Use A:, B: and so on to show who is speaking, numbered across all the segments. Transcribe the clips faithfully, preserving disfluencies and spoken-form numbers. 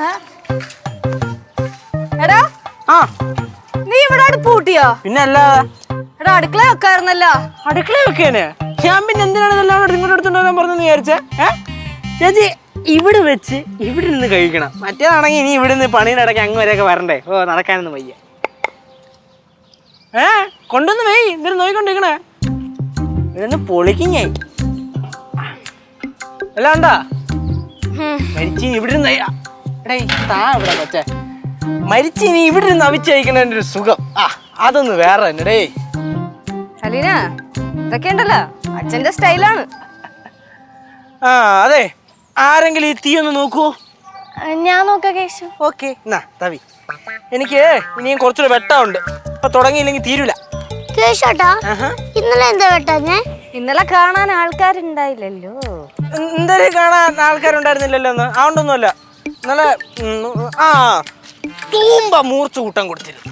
A: എടാ ആ നീ ഇവിടെ അടുപ്പ് കൂട്ടിയോ?
B: പിന്നെ അല്ലാതെ
A: എടാ അടുക്കള വെക്കായിരുന്നല്ലോ.
B: അടുക്കള വെക്കാന് ഞാൻ പിന്നെ എന്തിനാണ് ഇതെല്ലാം ഇങ്ങോട്ട് എടുത്തോണ്ടാൻ പറഞ്ഞെന്ന് വിചാരിച്ചേ? ഏഹ് ചേച്ചി ഇവിടെ വെച്ച് ഇവിടെ നിന്ന് കഴിക്കണം. മറ്റേതാണെങ്കിൽ ഇനി ഇവിടെ നിന്ന് പണിയിടയ്ക്ക് അങ്ങ് വരെയൊക്കെ വരണ്ടേ? ഓ നടക്കാനൊന്നും വയ്യ. ഏ കൊണ്ടൊന്ന് വെയ്, എന്തിനും നോക്കിക്കൊണ്ടിരിക്കണേ. ഇതൊന്ന് പൊളിക്കിങ്ങായി അല്ല ഉണ്ടാ മരിച്ചിനി ഇവിടെ ഇരുന്ന് എടേ താ ഇവിടെ കൊച്ചേ മരിച്ചിനി ഇവിടെ ഇരുന്ന് അവിച്ച് കഴിക്കണതിൻ്റെ ഒരു സുഖം ആ അതൊന്ന് വേറെ തന്നെ ഡേ.
A: അലീന ഇതൊക്കെ ഉണ്ടല്ലോ അച്ഛന്റെ സ്റ്റൈലാണ്.
B: ആ അതെ, ആരെങ്കിലും ഈ തീ ഒന്ന് നോക്കുവോ?
C: ഞാൻ നോക്കാം കേശു.
B: ഓക്കെ എന്നാ തവി. എനിക്ക് ഇനിയും കുറച്ചുകൂടെ വെട്ടമുണ്ട്, ഇപ്പൊ തുടങ്ങിയില്ലെങ്കിൽ തീരൂല.
C: കേശോട്ടാ ഇന്നലെ എന്താ വെട്ടാഞ്ഞേ?
A: ഇന്നലെ കാണാൻ ആൾക്കാരുണ്ടായില്ലല്ലോ.
B: എന്തായാലും കാണാൻ ആൾക്കാരുണ്ടായിരുന്നില്ലല്ലോ എന്ന് അതുകൊണ്ടൊന്നുമല്ല. ഇന്നലെ ആ തൂമ്പ മൂർച്ച കൂട്ടാൻ കൊടുത്തിരുന്നു.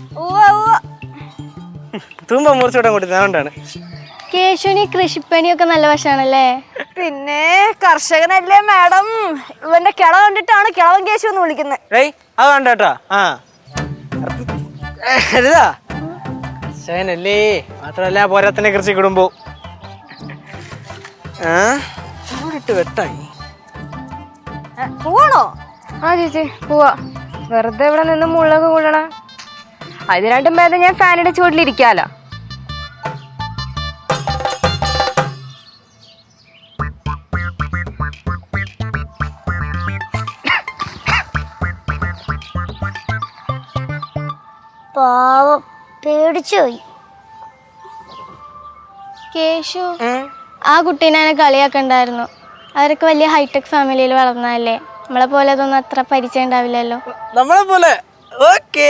B: തൂമ്പ മൂർച്ച കൂട്ടാൻ കൊടുത്തിരുന്നു, അതുകൊണ്ടാണ്.
C: കേശുവിന് കൃഷിപ്പണിയൊക്കെ നല്ല വശാണല്ലേ?
A: പിന്നെ കർഷകനല്ലേ മാഡം. ഇവന്റെ കിള കണ്ടിട്ടാണ് കിളവൻ കേശു എന്ന് വിളിക്കുന്നത്.
B: ഏയ് അത് വേണ്ട കേട്ടോ. ആ കർഷകനല്ലേ മാത്രമല്ല പോരാത്തന്നെ കൃഷി കുടുംബവും. ആ ഇട്ട് വെട്ടായി
A: പോവാണോ?
D: ആ ചേച്ചി പോവാ. വെറുതെ ഇവിടെ നിന്ന് മുളക് കൂടണ അതിനായിട്ടും ഭേദം ഞാൻ ഫാനിന്റെ ചുവട്ടിലിരിക്കാലോ.
C: പാവം പേടിച്ചുപോയി. കേശു ആ കുട്ടീനെ എന്നെ കളിയാക്കണ്ടായിരുന്നു. അവരൊക്കെ വലിയ ഹൈടെക് ഫാമിലിയിൽ വളർന്നതല്ലേ, നമ്മളെ പോലെ അതൊന്നും അത്ര പരിചയം ഉണ്ടാവില്ലല്ലോ.
B: നമ്മളെ പോലെ. ഓക്കേ.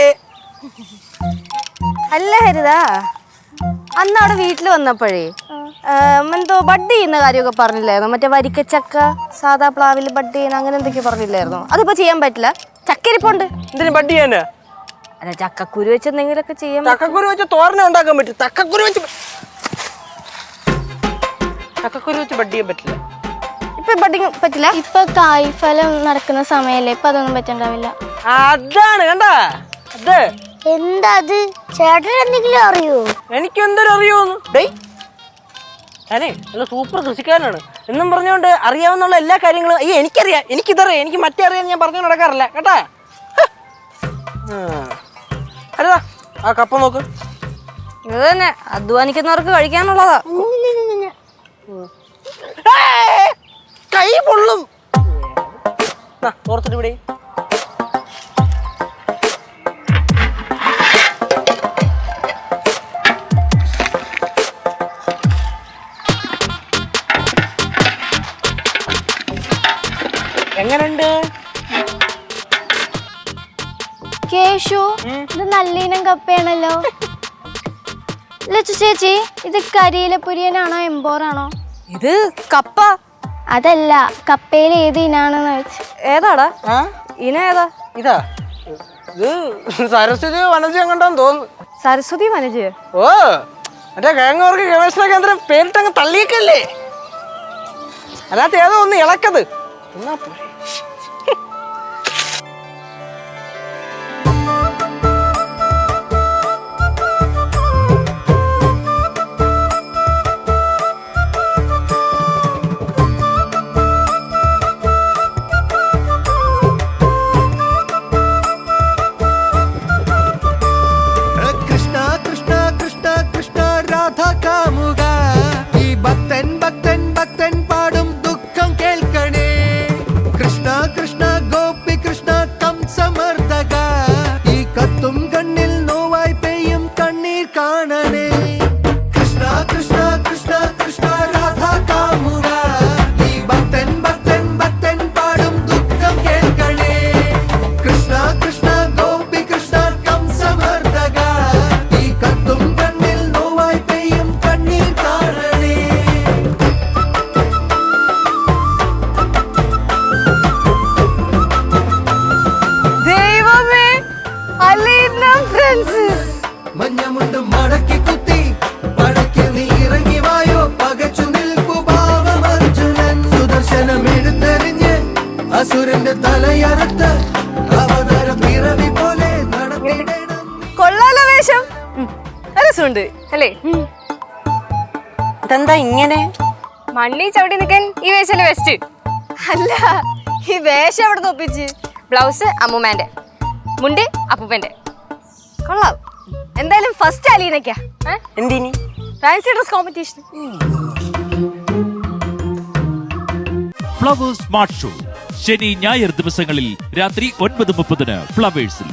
A: അല്ല ഹരിതാ, അന്ന് അവിടെ വീട്ടിൽ വന്നപ്പോഴേ എന്തോ ബഡ് ചെയ്യുന്ന കാര്യമൊക്കെ പറഞ്ഞില്ലായിരുന്നു? മറ്റേ വരിക്കച്ചക്ക സാധാ പ്ലാവിൽ ബഡ് ചെയ്യുന്ന അങ്ങനെ എന്തൊക്കെയോ പറഞ്ഞില്ലായിരുന്നു? അതിപ്പോ ചെയ്യാൻ പറ്റില്ല, ചക്കരിപ്പുണ്ട്.
B: എന്തിനു ബഡ് ചെയ്യാന്?
A: അല്ല ചക്കക്കുരു വെച്ച് എന്തെങ്കിലുമൊക്കെ ചെയ്യാൻ.
B: ചക്കക്കുരു വെച്ച് തോരന ഉണ്ടാക്കാൻ പറ്റും. ചക്കക്കുരു വെച്ച് ചക്കക്കുരു വെച്ച് ബഡ് ചെയ്യാൻ പറ്റില്ല.
A: ഇപ്പൊ ബഡിങ് പറ്റില്ല.
C: ഇപ്പൊ കായ്ഫലം നടക്കുന്ന സമയല്ലേ, ഇപ്പൊ അതൊന്നും പറ്റണ്ടാവില്ല.
B: അതാണ് കണ്ട. അത്
C: എന്താ അത്? ചേട്ടൻ എന്തെങ്കിലും അറിയോ?
B: എനിക്ക് എന്തൊരു അറിയോന്ന്. ഡേയ് ഞാനേ നല്ല സൂപ്പർ കൃഷിക്കാരനാണ് എന്നും പറഞ്ഞുകൊണ്ട് അറിയാവുന്ന എല്ലാ കാര്യങ്ങളും അയ്യോ എനിക്കറിയാം, എനിക്കിതറിയാം, എനിക്ക് മറ്റേ അറിയാൻ ഞാൻ പറഞ്ഞു നടക്കാറില്ല കേട്ടാ. അല്ല ആ കപ്പ നോക്ക്.
A: ഇത് തന്നെ അധ്വാനിക്കുന്നവർക്ക് കഴിക്കാനുള്ളതാ.
B: കൈ പൊള്ളും. ഓർത്തിട്ട് ഇവിടെ എങ്ങനുണ്ട്
C: കേശു? ഇത് നല്ലീനം കപ്പയാണല്ലോ. ലച്ചു ചേച്ചി, ഇത് കരിയില പുരിയനാണോ എംബോറാണോ?
A: ഇത് കപ്പ.
C: അതല്ല, കപ്പയിൽ ഏത് ഇനാണെന്ന് വെച്ച്.
A: ഏതാടാ ഇന? ഏതാ
B: ഇതാ? ഇത് സരസ്വതി വനജ എങ്ങോട്ടാന്ന് തോന്നുന്നു.
A: സരസ്വതി വനജ?
B: ഓ മറ്റേ കിഴങ്ങുവർക്ക് ഗവേഷണ കേന്ദ്രം പേരിട്ടങ്ങ് തള്ളിയേക്കല്ലേ. അല്ലാത്ത ഏതോ ഒന്ന് ഇളക്കത് എന്നാ പോരെ.
E: അസുരന്റെ തലയറുത്ത്
A: രസമുണ്ട്
D: അല്ലേ?
B: ഇതെന്താ ഇങ്ങനെ?
D: മണ്ണി ചവിട്ടി നിൽക്കാൻ ഈ വേഷല്ലേ ബെസ്റ്റ്.
A: അല്ല ഈ വേഷം എവിടെ തോപ്പിച്ച്?
D: ബ്ലൗസ് അമ്മൂമ്മേന്റെ, മുണ്ട് അപ്പൂപ്പന്റെ.
A: കൊള്ളാം. എന്തായാലും ഫസ്റ്റ് അലീനക്കാ
B: എന്തിനി?
A: Fancy dress competition.
E: Flowers smart show ശനി ഞായർ ദിവസങ്ങളിൽ രാത്രി ഒൻപത് മുപ്പതിന് ഫ്ലവേഴ്സിൽ.